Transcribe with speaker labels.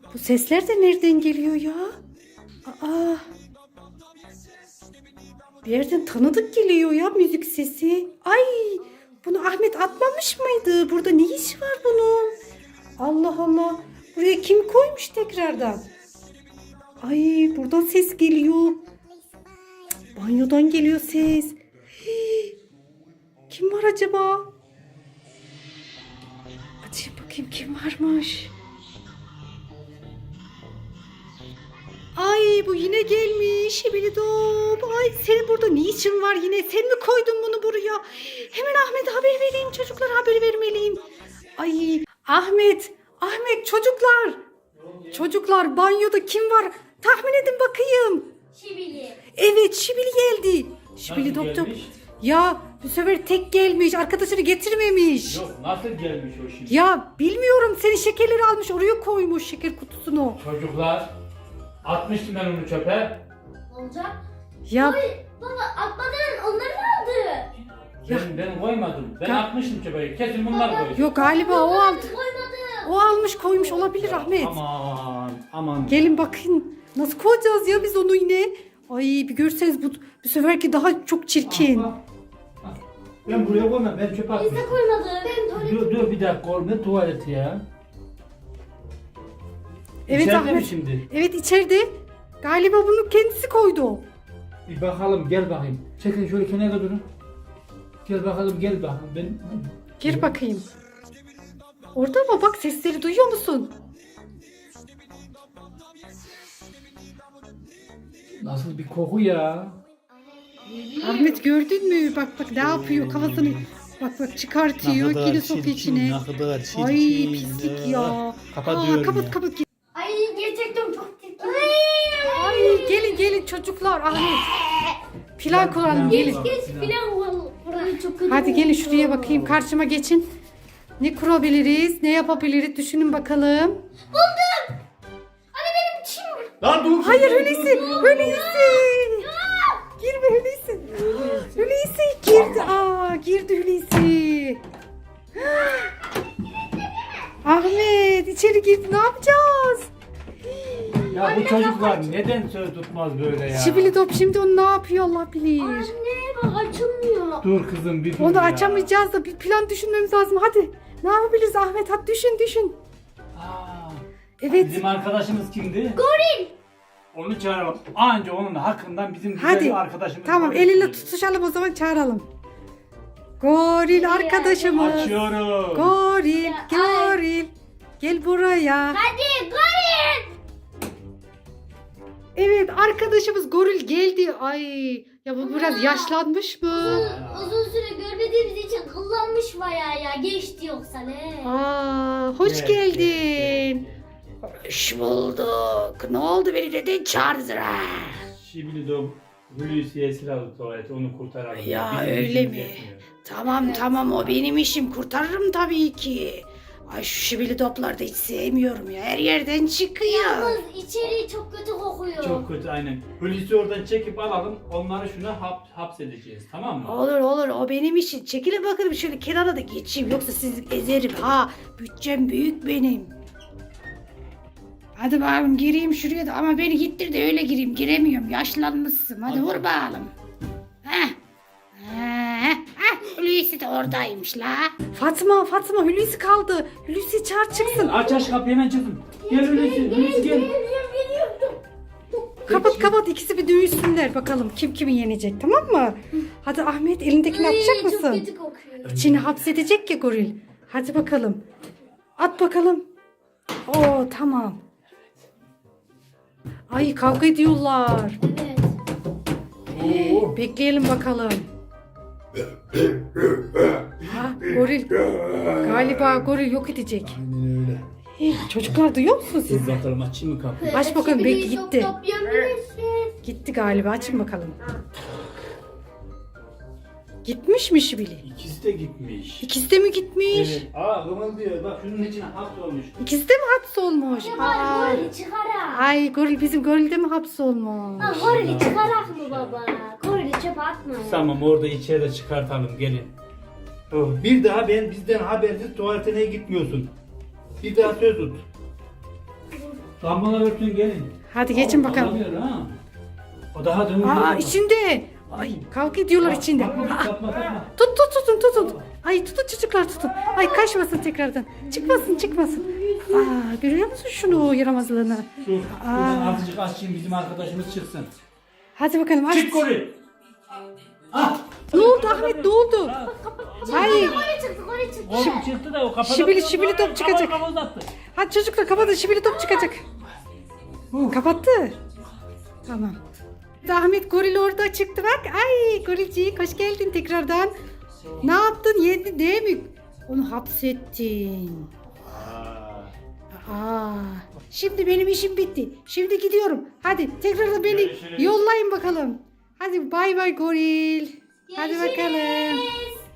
Speaker 1: Bu sesler de nereden geliyor ya? Aa, bir yerden tanıdık geliyor ya müzik sesi. Ay, bunu Ahmet atmamış mıydı? Burada ne işi var bunun? Allah Allah. Buraya kim koymuş tekrardan? Ay, buradan ses geliyor. Banyodan geliyor ses. Hii, kim var acaba? Açayım bakayım kim varmış. Ay, bu yine gelmiş. Şibilidop. Ay, senin burada ne işin var yine? Sen mi koydun bunu buraya? Hemen Ahmet'e haber vereyim. Çocuklara haber vermeliyim. Ay, Ahmet çocuklar. Çocuklar, banyoda kim var? Tahmin edin bakayım.
Speaker 2: Şibili.
Speaker 1: Evet, Şibili geldi. Şibili
Speaker 3: Nasıl
Speaker 1: doktor.
Speaker 3: gelmiş?
Speaker 1: Ya bu sefer tek gelmiş. Arkadaşını getirmemiş.
Speaker 3: Yok, nasıl gelmiş o şimdi?
Speaker 1: Ya bilmiyorum, senin şekerleri almış. Oraya koymuş şeker kutusunu.
Speaker 3: Çocuklar, atmıştım ben onu çöpe.
Speaker 2: Olacak.
Speaker 1: Ya
Speaker 2: Ay baba atmadan onları mı aldı?
Speaker 3: Ben koymadım. Ben
Speaker 1: Ya-
Speaker 3: atmıştım çöpe. Kesin bunlar koydu.
Speaker 1: yok galiba o aldı.
Speaker 2: Koymadı.
Speaker 1: O almış koymuş olabilir Ahmet.
Speaker 3: Aman.
Speaker 1: Gelin bakın. Nasıl koyacağız ya biz onu yine? Ay, bir görseniz bu seferki daha çok çirkin.
Speaker 3: Ah, ah. Ben buraya koymam. Ben çöpe
Speaker 2: Biz de
Speaker 3: atmıştım.
Speaker 2: koymadı. Ben tuvalet.
Speaker 3: Dur bir dakika oğlum. Ne tuvaleti ya?
Speaker 1: Evet
Speaker 3: İçeride
Speaker 1: Ahmet.
Speaker 3: mi şimdi?
Speaker 1: Evet, içeride. Galiba bunu kendisi koydu.
Speaker 3: Bir bakalım, gel bakayım. Çekin şöyle kenara durun. Gel bakalım. Ben...
Speaker 1: Gir bakayım. Orada mı? Bak, sesleri duyuyor musun?
Speaker 3: Nasıl bir koku ya?
Speaker 1: Ahmet, gördün mü? Bak ne yapıyor kafasını. Bak çıkartıyor. Yine sokuyor içine. Ay, pislik ya.
Speaker 3: Kapatıyorum
Speaker 1: Kapat
Speaker 3: ya.
Speaker 1: kapat.
Speaker 2: Ay gerçekten çok tepki.
Speaker 1: Ay, gelin çocuklar. Ahmet. Plan kuralım, gelin.
Speaker 2: Geç filan burayı çok kötü.
Speaker 1: Hadi gelin
Speaker 2: oldu.
Speaker 1: şuraya bakayım, karşıma geçin. Ne kurabiliriz, ne yapabiliriz düşünün bakalım.
Speaker 2: Buldum. Anne benim çim.
Speaker 3: Lan dur.
Speaker 1: Hayır Hulusi. Girme Hulusi. Hulusi girdi. Girdi Hulusi. Ahmet içeri girdi, ne yapacağız?
Speaker 3: Ya bu çocuklar neden söz tutmaz böyle ya?
Speaker 1: Şibilidop şimdi onu ne yapıyor Allah bilir.
Speaker 2: Anne bak açılmıyor.
Speaker 3: Dur kızım bir dur
Speaker 1: Onu
Speaker 3: ya.
Speaker 1: açamayacağız da bir plan düşünmemiz lazım. Hadi ne yapabiliriz Ahmet, hadi düşün.
Speaker 3: Aa,
Speaker 1: Evet.
Speaker 3: Bizim arkadaşımız kimdi?
Speaker 2: Goril.
Speaker 3: Onu çağıralım. Anca onun hakkından bizim güzel
Speaker 1: Hadi.
Speaker 3: bir arkadaşımız
Speaker 1: Tamam,
Speaker 3: var.
Speaker 1: eliyle tutuşalım o zaman, çağıralım. Goril arkadaşımız.
Speaker 3: Açıyorum.
Speaker 1: Goril. Gel buraya.
Speaker 2: Hadi goril.
Speaker 1: Evet, arkadaşımız Goril geldi. Ay, ya bu biraz yaşlanmış mı?
Speaker 2: Uzun süre görmediğimiz için kullanmış bayağı ya. Geçti yoksa ne?
Speaker 1: Hoş
Speaker 3: Evet,
Speaker 1: geldin. Hoş bulduk. Ne oldu, beni neden çağırdın?
Speaker 3: Şimdi de Hulusi'ye esir aldı tuvaleti, onu kurtaralım.
Speaker 1: Ya
Speaker 3: Bizim
Speaker 1: öyle
Speaker 3: işimiz
Speaker 1: mi?
Speaker 3: yetmiyor.
Speaker 1: Tamam, o benim işim, kurtarırım tabii ki. Ay, şu şibili topları da hiç sevmiyorum ya. Her yerden çıkıyor.
Speaker 2: Yalnız içeri çok kötü kokuyor.
Speaker 3: Çok kötü aynen. Hulusi'yi oradan çekip alalım, onları şuna hapsedeceğiz, tamam mı?
Speaker 1: Olur, o benim işim. Çekilin bakalım şöyle kenara da geçeyim. Yoksa sizi ezerim ha. Bütçem büyük benim. Hadi bakalım gireyim şuraya da, ama beni gittir de öyle gireyim. Giremiyorum, yaşlanmışsın. Hadi vur bakalım. Hulusi de oradaymış la. Fatma Hulusi kaldı. Hulusi çağır çıksın.
Speaker 3: Aç kapıyı hemen çıkın. Gel Hulusi gel.
Speaker 1: Kapat, ikisi bir dövüşsünler bakalım kim kimi yenecek, tamam mı? Hadi Ahmet, elindekini atacak
Speaker 2: Çok
Speaker 1: mısın?
Speaker 2: kötü kokuyor.
Speaker 1: İçini hapsedecek ya goril. Hadi bakalım. At bakalım. Oo, tamam. Ay, kavga ediyorlar.
Speaker 2: Evet.
Speaker 3: Oo.
Speaker 1: Bekleyelim bakalım. Goril. Galiba goril yok edecek.
Speaker 3: Aynen öyle.
Speaker 1: Çocuklar duyuyor musunuz siz?
Speaker 3: Dur bakalım açayım mı kapıyı?
Speaker 1: Aç bakalım,
Speaker 2: Şibili
Speaker 1: belki
Speaker 2: çok
Speaker 1: gitti.
Speaker 2: toplayabilirsin.
Speaker 1: Gitti galiba, açın bakalım. Gitmiş mi Şibili?
Speaker 3: İkisi de gitmiş.
Speaker 1: İkisi de mi gitmiş?
Speaker 3: Evet. Kımıldıyor. Bak şunun içine hapsolmuş.
Speaker 1: İkisi de mi hapsolmuş?
Speaker 2: Ne var gorili çıkarak.
Speaker 1: Ay, goril, bizim goril de mi hapsolmuş?
Speaker 2: Ha gorili çıkarak mı baba? Gorili çöpe atma.
Speaker 3: Tamam, orada içeri çıkartalım, gelin. Bir daha bizden habersiz tuvaletine gitmiyorsun. Bir daha söz tut. Lambalar örtün gelin.
Speaker 1: Hadi geçin bakalım.
Speaker 3: Alamıyor ha. O daha dönüyor.
Speaker 1: Aa içinde. Ay kavga ediyorlar içinde.
Speaker 3: Yapma,
Speaker 1: Aa,
Speaker 3: yapma.
Speaker 1: tutun. Ay tutun çocuklar tutun. Ay kaçmasın tekrardan. Çıkmasın. Aa görüyor musun şunu yaramazlığını?
Speaker 3: Şuradan azıcık açayım bizim arkadaşımız çıksın.
Speaker 1: Hadi bakalım aç.
Speaker 3: Çık goril. Ah.
Speaker 1: Ne oldu Ahmet ne oldu? Hayır.
Speaker 2: Oraya çıktı.
Speaker 3: Oğlum çıktı da o kapadı.
Speaker 1: Şibili top çıkacak.
Speaker 3: Kafa uzattı.
Speaker 1: Hadi çocuklar kapatın şibili top çıkacak. Kapattı. Tamam. Ahmet goril orada çıktı bak. Ay gorilcik hoş geldin tekrardan. Ne yaptın yedin değil mi? Onu hapsettin. Şimdi benim işim bitti. Şimdi gidiyorum. Hadi tekrar beni
Speaker 3: Görüşürüz.
Speaker 1: yollayın bakalım. Hadi bay bay goril. Hadi bakalım.
Speaker 2: Görüşürüz.